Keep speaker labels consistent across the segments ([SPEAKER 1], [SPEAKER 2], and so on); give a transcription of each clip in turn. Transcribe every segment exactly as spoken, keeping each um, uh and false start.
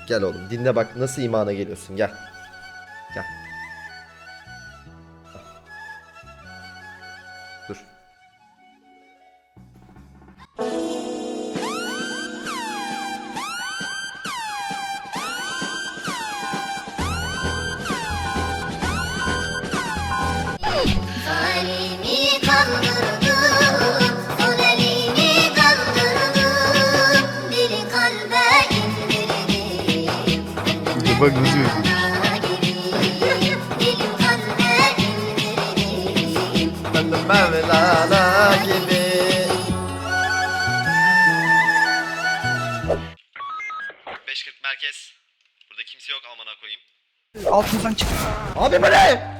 [SPEAKER 1] Gel oğlum dinle bak nasıl imana geliyorsun gel. Gel. Dur.
[SPEAKER 2] Halimi kaldırdım, son elimi kaldırdım, dili kalbe indirdim.
[SPEAKER 3] Bak nasıl yazıyor.
[SPEAKER 2] Dilim kalbe indirdim.
[SPEAKER 1] Ben de Mevlana gibi. beş kırk merkez. Burada kimse yok amına koyayım.
[SPEAKER 3] Altımızdan çık.
[SPEAKER 1] Abi bu ne?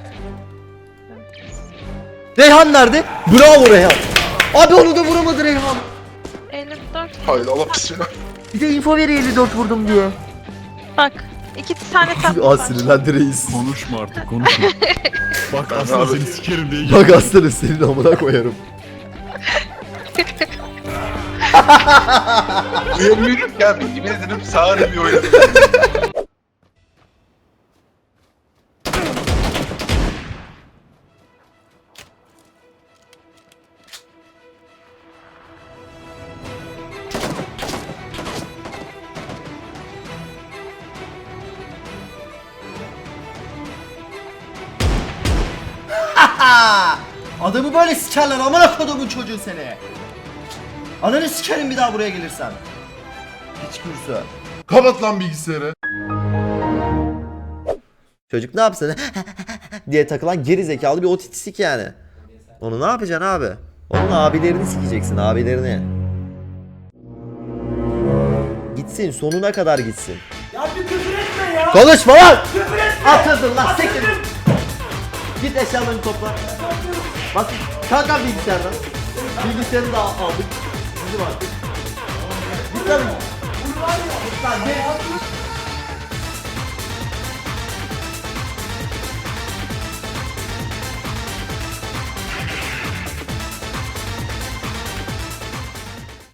[SPEAKER 1] Reyhan nerede? Bravo Reyhan. Abi onu da vuramadı Reyhan.
[SPEAKER 4] elli dört.
[SPEAKER 3] Hayır Allah bismillah.
[SPEAKER 1] Bir de info veriyor elli dört vurdum diye.
[SPEAKER 4] Bak. iki tane tatlı
[SPEAKER 1] Aa
[SPEAKER 4] var.
[SPEAKER 1] sinirlendi reis.
[SPEAKER 5] Konuşma artık konuşma. Bak aslında seni sikerim diye
[SPEAKER 1] Bak aslanım senin amına koyarım.
[SPEAKER 3] Uyamıyorum ya. Yemin ederim sağır bir oynadım.
[SPEAKER 1] Adamı böyle sikerler amına kodumun çocuğu seni. Ananı sikerim bir daha buraya gelirsen. Hiç kursu.
[SPEAKER 6] Kapat lan bilgisayarı.
[SPEAKER 1] Çocuk ne yapsın diye takılan geri zekalı bir otistik yani. Onu ne yapacaksın abi? Onun abilerini sikeceksin abilerini. Gitsin sonuna kadar gitsin.
[SPEAKER 7] Ya bir küfür etme ya.
[SPEAKER 1] Konuşma lan!
[SPEAKER 7] Küfür etme.
[SPEAKER 1] Atıldın lan siktir. Git eşyalarını topla. Bak kalk abi bilgisayardan. Bilgisayarını da aldık. Bizim artık. Git lan. Git lan gel.